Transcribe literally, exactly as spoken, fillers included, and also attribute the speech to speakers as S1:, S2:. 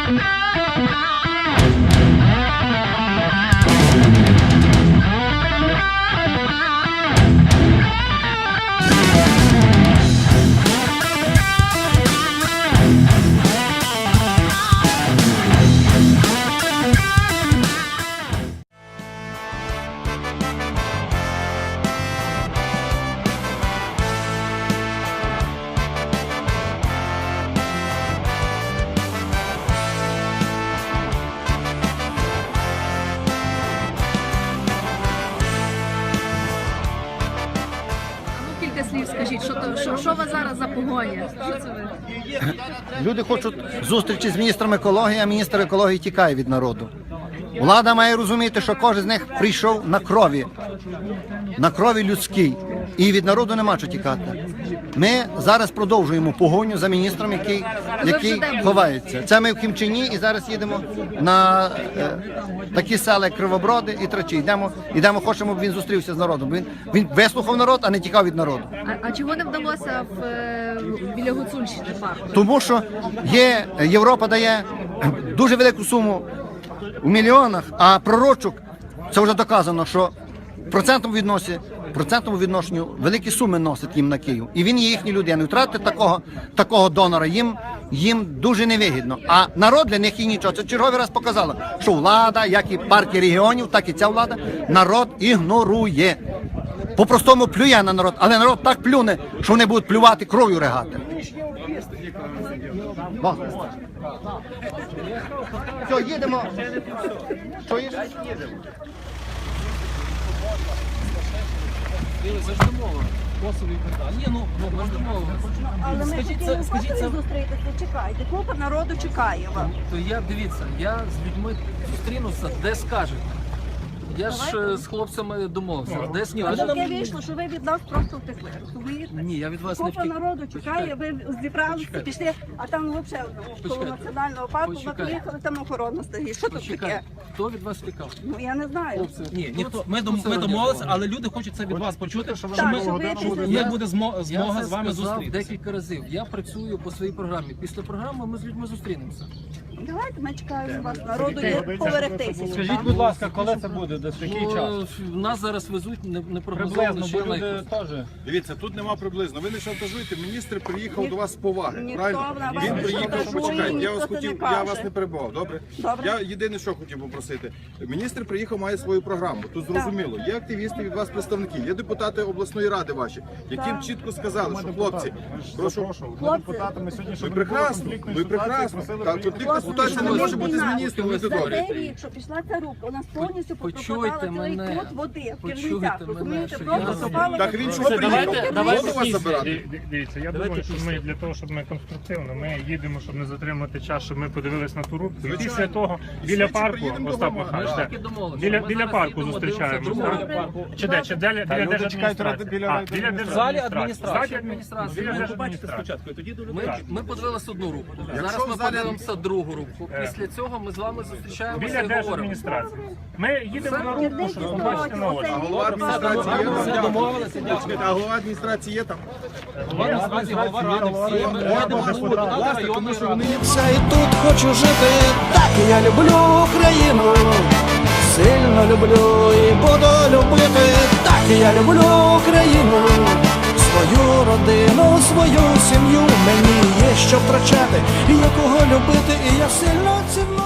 S1: Слів скажіть, що, то, що, що у вас зараз за погоня? Що це ви?
S2: Люди хочуть зустрічі з міністром екології, а міністр екології тікає від народу. Влада має розуміти, що кожен з них прийшов на крові, на крові людській, і від народу нема що тікати. Ми зараз продовжуємо погоню за міністром, який, який ховається. Це ми в Кімчині і зараз їдемо на е, такі села, як Кривоброди і Трачі. Йдемо, йдемо, хочемо, щоб він зустрівся з народом. Він, він вислухав народ, а не тікав від народу.
S1: А, а чого не вдалося в, е, біля Гуцульщини парку?
S2: Тому що є, Європа дає дуже велику суму у мільйонах, а пророчок, це вже доказано, що в процентному відносі, в процентному відношенню великі суми носить їм на Київ. І він є їхній людиною. Втратити такого, такого донора їм, їм дуже невигідно. А народ для них і нічого. Це черговий раз показало, що влада, як і партії регіонів, так і ця влада, народ ігнорує. По-простому плює на народ, але народ так плюне, що вони будуть плювати кров'ю регати. Все, їдемо. Що є?
S3: Завжди мова. Косово і так далі. Ні, ну, ну, завжди мова.
S4: Але ми
S3: Скажіть,
S4: хотіли
S3: це, скажіть, це...
S4: зустрітися, чекайте. Купа народу чекає вас.
S3: То я, дивіться, я з людьми зустрінуся, де скажете. Я ж е, з хлопцями домовився, де
S4: А
S3: скажете.
S4: таке вийшло, що ви від нас просто втекли, розумієте?
S3: Ні, я від вас не
S4: Купа
S3: втік.
S4: народу чекає, ви зібралися,
S3: Почекайте.
S4: пішли, а там взагалі коло
S3: Почекайте.
S4: національного парку, ви
S3: Почекайте.
S4: приїхали, там охорона стоїть. Що тут таке?
S3: Почекайте, хто від вас втікав?
S4: Ну я не знаю.
S3: Хлопці,
S5: Ні, ніхто. Ми,
S3: Хто
S5: дом,
S3: це
S5: ми домовилися,
S3: організував?
S5: але люди хочуть це від вас почути, що
S4: Так,
S5: ми,
S4: що ви після
S5: як
S4: цього-
S5: буде змо- змога
S3: Я
S5: з вами
S3: це сказав
S5: зустрітися.
S3: декілька разів. Я працюю по своїй програмі. Після програми ми з людьми зустрінемося.
S4: Давайте ми чекаємо вас, народу є поверхтися.
S6: Скажіть, будь ласка, коли це буде, десь в який час?
S3: Бо нас зараз везуть не, не прогнозовано
S6: Приблизно,
S3: ще
S6: бо люди
S3: найкуди.
S6: теж.
S7: Дивіться, тут нема приблизно. Ви не шантажуєте, міністр приїхав до вас з поваги.
S4: Ніхто
S7: Правильно?
S4: на вас
S7: Він
S4: не
S7: приїхав,
S4: шантажує,
S7: почекайте. Я
S4: ніхто
S7: вас
S4: це
S7: хотів,
S4: не
S7: я
S4: каже.
S7: вас не перебував. Добре?
S4: Добре.
S7: Я єдине, що хотів попросити. Міністр приїхав, має свою програму. Тут зрозуміло. Є активісти від вас представники, є депутати обласної ради ваші, яким
S4: Так.
S7: чітко сказали, що хлопці, прошу.
S6: Депутатами сьогодні,
S7: Ви
S6: щоб
S7: прекрасно, ви прекрасно. Так, конфліктна ситуація не може бути з міністром. Ви
S4: За
S7: добре.
S4: цей рік, що пішла ця рубка, у нас повністю
S3: Почуйте
S4: пропадала цілий
S3: мене.
S4: кут води в
S3: Почуйте
S4: Кирницях.
S3: мене,
S4: Розумієте,
S3: що
S4: просто
S3: я-
S4: пропала.
S7: Так він що
S3: Давайте-
S7: приїхав?
S3: давайте
S7: Воду вас забирати?
S6: Ди- Дивіться, я думаю, що ми для того, щоб ми конструктивно, ми їдемо, щоб не затримати час, щоб ми подивились на ту рубку. І після того біля
S7: швидше
S6: парку,
S7: приїдемо
S6: Остап
S7: до
S6: Михайлович,
S3: Ми ж
S6: де?
S3: таки домовилися.
S6: біля,
S3: Ми
S6: біля
S3: зараз
S6: парку
S3: їдемо,
S6: зустрічаємося.
S3: дивимося
S6: так?
S3: другого.
S6: Чи де? Чи біля, біля
S7: люди
S6: держадміністрації?
S7: чекають біля
S6: А, біля
S3: В залі
S6: держадміністрації.
S3: адміністрації.
S6: Залі адміністрації. Біля держадміністрації.
S5: тоді до
S3: Ми, ми подивилися одну руку. Зараз
S7: Якщо
S3: ми
S7: в залі-
S3: подивимося другу руку. Після цього ми з вами зустрічаємося
S6: Біля
S3: і говоримо.
S6: держадміністрації. Ми їдемо на рубку, щоб побачити на очі.
S7: А голова адміністрації є там?
S3: Все домовилися, дякую.
S7: Чекайте, а голова адміністрації є там?
S3: Наразі голова ради, всі ми
S7: Власне,
S3: їдемо
S7: власне, тому що вони
S8: Все і тут хочу жити, так я люблю Україну, сильно люблю і буду любити, так я люблю Україну, свою родину, свою сім'ю, мені є що втрачати, є кого любити, і я сильно ціную.